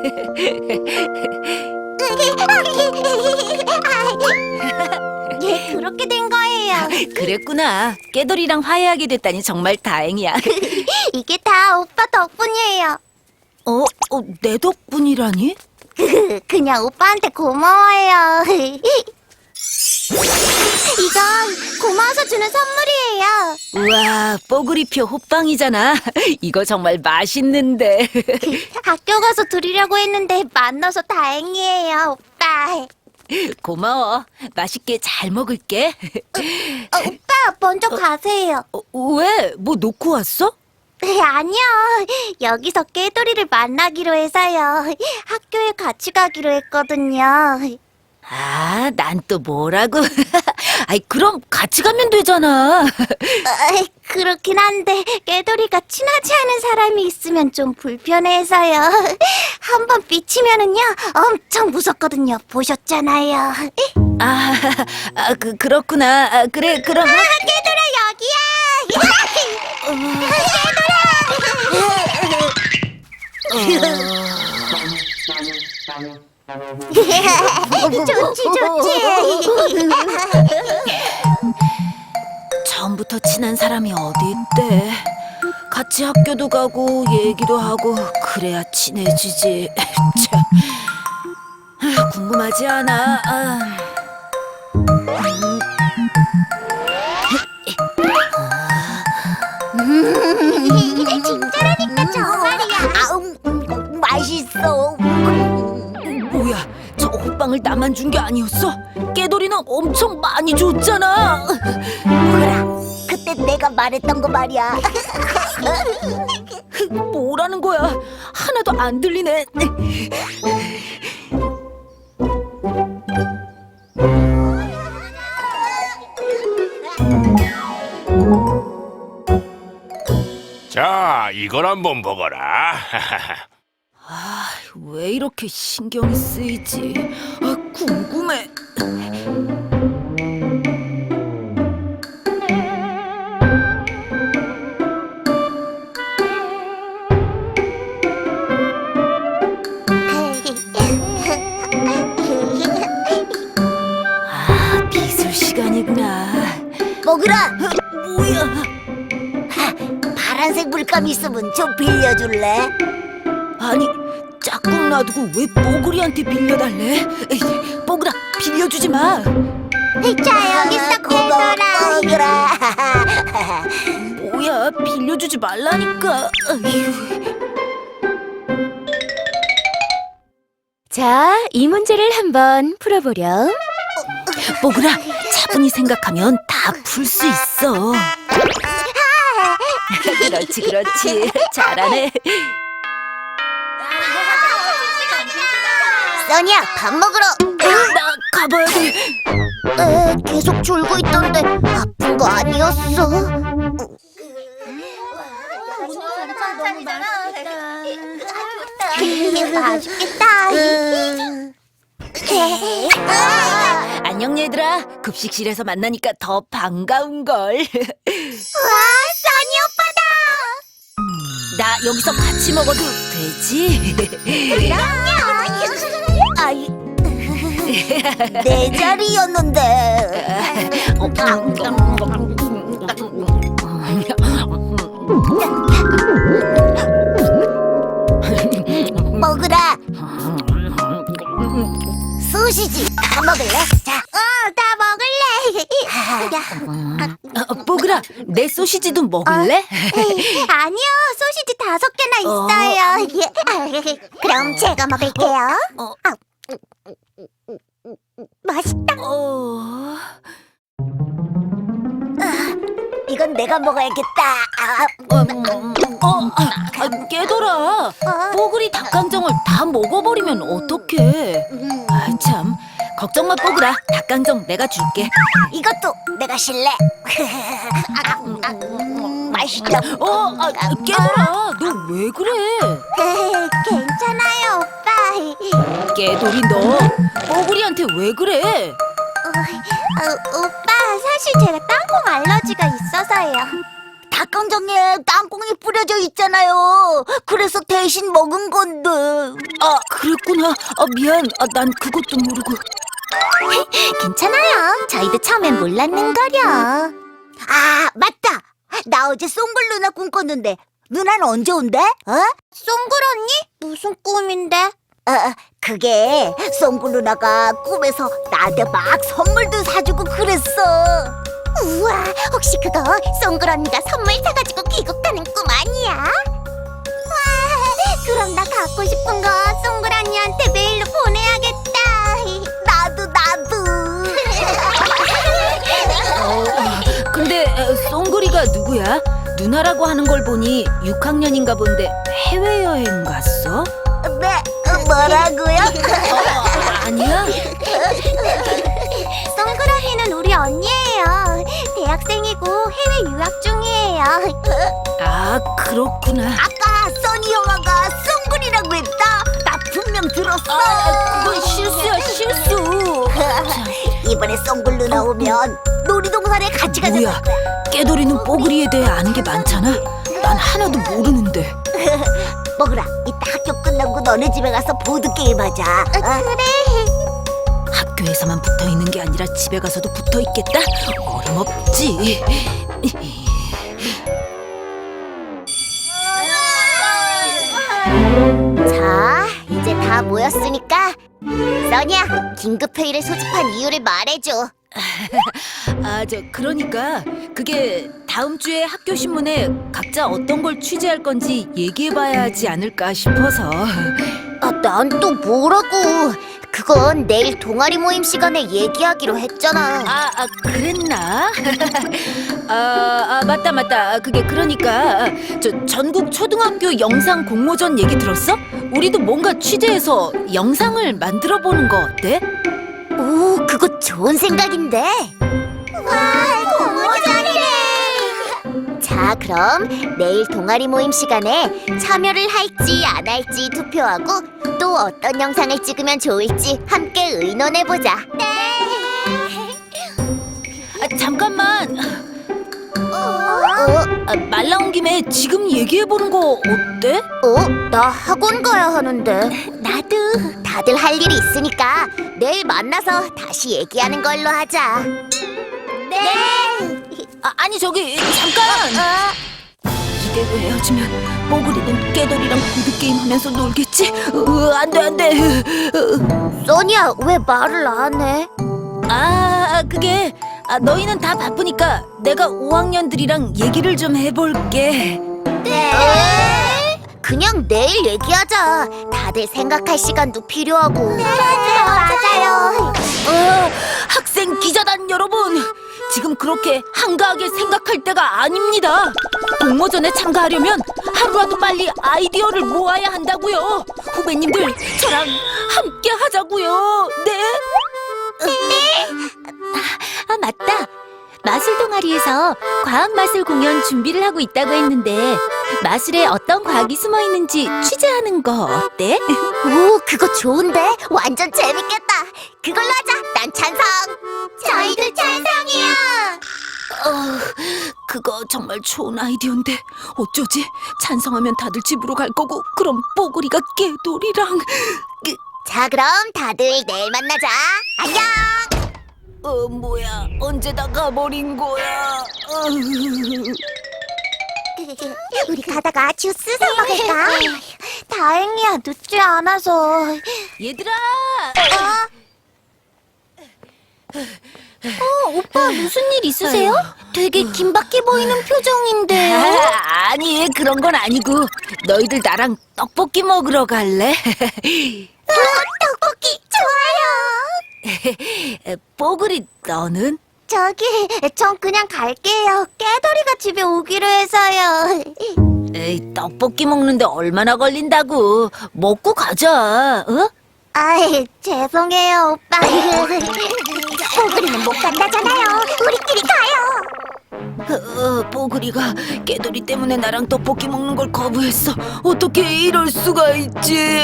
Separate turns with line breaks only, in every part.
예, 그렇게 된 거예요.
그랬구나. 깨돌이랑 화해하게 됐다니 정말 다행이야.
이게 다 오빠 덕분이에요.
내 덕분이라니?
그냥 오빠한테 고마워요. 이건 고마워서 주는 선물이에요.
우와, 뽀글이표 호빵이잖아. 이거 정말 맛있는데.
학교 가서 드리려고 했는데 만나서 다행이에요, 오빠.
고마워. 맛있게 잘 먹을게.
오빠 먼저 가세요.
왜? 뭐 놓고 왔어?
아니요. 여기서 깨돌이를 만나기로 해서요. 학교에 같이 가기로 했거든요.
아, 난 또 뭐라고? 아이, 그럼 같이 가면 되잖아.
그렇긴 한데 깨돌이가 친하지 않은 사람이 있으면 좀 불편해서요. 한번 삐치면은요 엄청 무섭거든요. 보셨잖아요.
그렇구나. 그래, 그럼.
깨돌아 여기야. 좋지.
처음부터 친한 사람이 어디 있대? 같이 학교도 가고 얘기도 하고 그래야 친해지지. 참. 궁금하지 않아?
진짜라니까 정말이야.
맛있어.
뭐야, 저 호빵을 나만 준 게 아니었어? 깨돌이는 엄청 많이 줬잖아.
뭐라? 그때 내가 말했던 거 말이야.
뭐라는 거야? 하나도 안 들리네.
자, 이걸 한번 보거라.
왜 이렇게 신경이 쓰이지? 궁금해. 미술 시간이구나.
먹으라.
뭐야?
파란색 물감 있으면 좀 빌려줄래?
아니, 짝꿍 놔두고 왜 뽀글이한테 빌려달래? 에이, 뽀글아, 빌려주지 마.
자 여기 있어
고마워,
깨돌아.
먹으라.
뭐야, 빌려주지 말라니까. 아휴.
자, 이 문제를 한번 풀어보렴.
뽀글아, 차분히 생각하면 다 풀 수 있어. 그렇지. 잘하네.
써니야, 밥 먹으러.
나 가봐야 돼.
계속 졸고 있던데 아픈 거 아니었어?
맛있겠다.
안녕 얘들아. 급식실에서 만나니까 더 반가운걸.
와, 써니 오빠다.
나 여기서 같이 먹어도 되지?
아이, 내 자리였는데. 먹으라. 소시지 다 먹을래? 자,
나 먹을래.
뽀글아, 내 소시지도 먹을래?
아니요, 소시지 5개나 있어요. 그럼 제가 먹을게요. 맛있다.
이건 내가 먹어야겠다.
깨돌아, 뽀글이 닭강정을 다 먹어버리면 어떡해? 참, 걱정 마 뽀글아. 닭강정 내가 줄게.
이것도 내가 실래. 맛있다.
깨돌아, 너 왜 그래?
괜찮아요, 오빠.
깨돌이 너 뽀글이한테 왜 그래?
오빠, 사실 제가 땅콩 알러지가 있어서요.
닭 천장에 땅콩이 뿌려져 있잖아요. 그래서 대신 먹은 건데.
아, 그랬구나. 미안. 난 그것도 모르고.
괜찮아요. 저희도 처음엔 몰랐는 거려.
아, 맞다. 나 어제 송글 누나 꿈꿨는데 누나는 언제 온대?
송글 언니? 무슨 꿈인데?
그게 송글 누나가 꿈에서 나한테 막 선물도 사주고 그랬어.
우와, 혹시 그거 송글 언니가 선물 사가지고 귀국하는 꿈 아니야? 와, 그럼 나 갖고 싶은 거 송글 언니한테 메일로 보내야겠다.
나도.
근데 송글이가 누구야? 누나라고 하는 걸 보니 6학년인가 본데 해외여행 갔어?
네, 뭐라고요?
아니야?
송글 언니는 우리 언니예요. 대학생이고 해외 유학 중이에요.
아, 그렇구나.
아까 써니 형아가 송글이라고 했다. 나 분명 들었어.
그건 실수야, 실수.
이번에 송글 누나 오면 놀이동산에 같이 가자.
뭐야, 깨돌이는 뽀글이에 대해 아는 게 많잖아. 난 하나도 모르는데.
먹으라. 이따 학교 끝나고 너네 집에 가서 보드게임 하자.
그래.
학교에서만 붙어 있는 게 아니라 집에 가서도 붙어 있겠다? 어림없지.
자, 이제 다 모였으니까 써니야, 긴급회의를 소집한 이유를 말해줘.
그러니까 그게 다음 주에 학교 신문에 각자 어떤 걸 취재할 건지 얘기해봐야 하지 않을까 싶어서.
난 또 뭐라고. 그건 내일 동아리 모임 시간에 얘기하기로 했잖아.
그랬나? 맞다. 그게 그러니까 저 전국 초등학교 영상 공모전 얘기 들었어? 우리도 뭔가 취재해서 영상을 만들어 보는 거 어때?
오, 그거 좋은 생각인데. 와, 공모전이네. 자, 그럼 내일 동아리 모임 시간에 참여를 할지 안 할지 투표하고 또 어떤 영상을 찍으면 좋을지 함께 의논해보자. 네.
잠깐만. 말 나온 김에 지금 얘기해보는 거 어때?
나 학원 가야 하는데. 나도. 다들 할 일이 있으니까 내일 만나서 다시 얘기하는 걸로 하자. 네.
아니 저기 잠깐! 이대로 헤어지면 뽀글이는 깨돌이랑 보드게임 하면서 놀겠지? 안돼.
써니야, 왜 말을 안 해?
그게 너희는 다 바쁘니까 내가 5학년들이랑 얘기를 좀 해볼게.
네. 그냥 내일 얘기하자. 다들 생각할 시간도 필요하고. 네, 맞아요.
학생 기자단 여러분, 지금 그렇게 한가하게 생각할 때가 아닙니다. 공모전에 참가하려면 하루라도 빨리 아이디어를 모아야 한다고요. 후배님들, 저랑 함께 하자고요. 네?
맞다. 마술 동아리에서 과학 마술 공연 준비를 하고 있다고 했는데 마술에 어떤 과학이 숨어 있는지 취재하는 거 어때?
오, 그거 좋은데? 완전 재밌겠다. 그걸로 하자. 난 찬성. 저희도 찬성이야.
그거 정말 좋은 아이디어인데 어쩌지? 찬성하면 다들 집으로 갈 거고 그럼 뽀글이가 깨돌이랑
자, 그럼 다들 내일 만나자. 안녕.
뭐야, 언제 다 가버린 거야?
우리 가다가 주스 사 먹을까? 다행이야, 늦지 않아서.
얘들아!
오빠 무슨 일 있으세요?
되게 긴박해 보이는 표정인데.
아니, 그런 건 아니고 너희들 나랑 떡볶이 먹으러 갈래?
떡볶이 좋아요.
뽀글이 너는?
전 그냥 갈게요. 깨돌이가 집에 오기로 해서요.
에이, 떡볶이 먹는데 얼마나 걸린다고. 먹고 가자. 어?
아이, 죄송해요, 오빠. 뽀글이는 못 간다잖아요. 우리끼리 가요.
뽀글이가 깨돌이 때문에 나랑 떡볶이 먹는 걸 거부했어. 어떻게 이럴 수가 있지?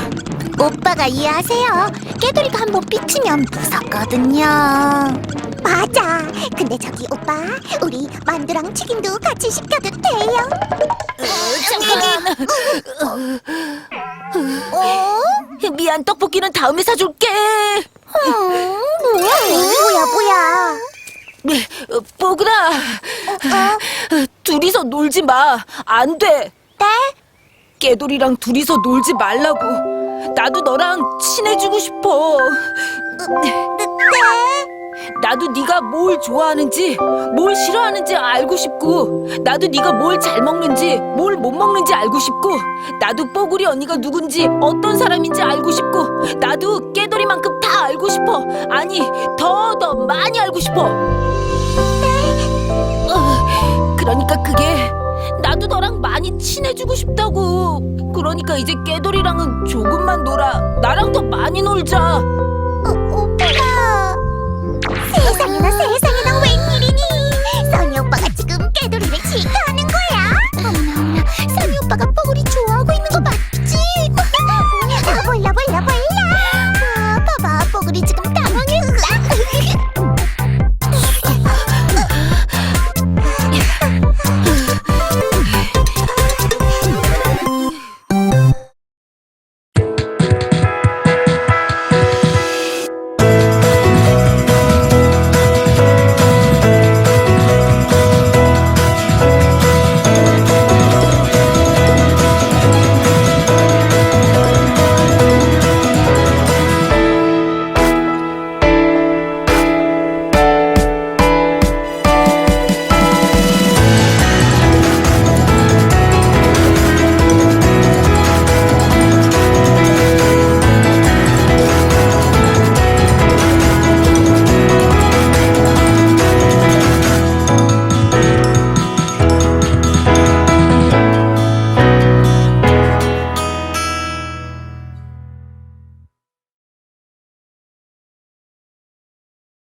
오빠가 이해하세요. 깨돌이가 한번 삐치면 무섭거든요. 맞아. 근데 저기 오빠, 우리 만두랑 튀김도 같이 시켜도 돼요?
잠깐. 미안, 떡볶이는 다음에 사줄게.
뭐야?
뽀글아, 둘이서 놀지 마. 안 돼.
네?
깨돌이랑 둘이서 놀지 말라고. 나도 너랑 친해지고 싶어. 나도 네가 뭘 좋아하는지, 뭘 싫어하는지 알고 싶고, 나도 네가 뭘 잘 먹는지, 뭘 못 먹는지 알고 싶고, 나도 뽀글이 언니가 누군지, 어떤 사람인지 알고 싶고, 나도 깨돌이만큼 다 알고 싶어. 아니, 더 많이 알고 싶어. 그러니까 그게 나도 너랑 많이 친해지고 싶다고. 그러니까 이제 깨돌이랑은 조금만 놀아. 나랑 더 많이 놀자.
오빠. 세상에나 세상.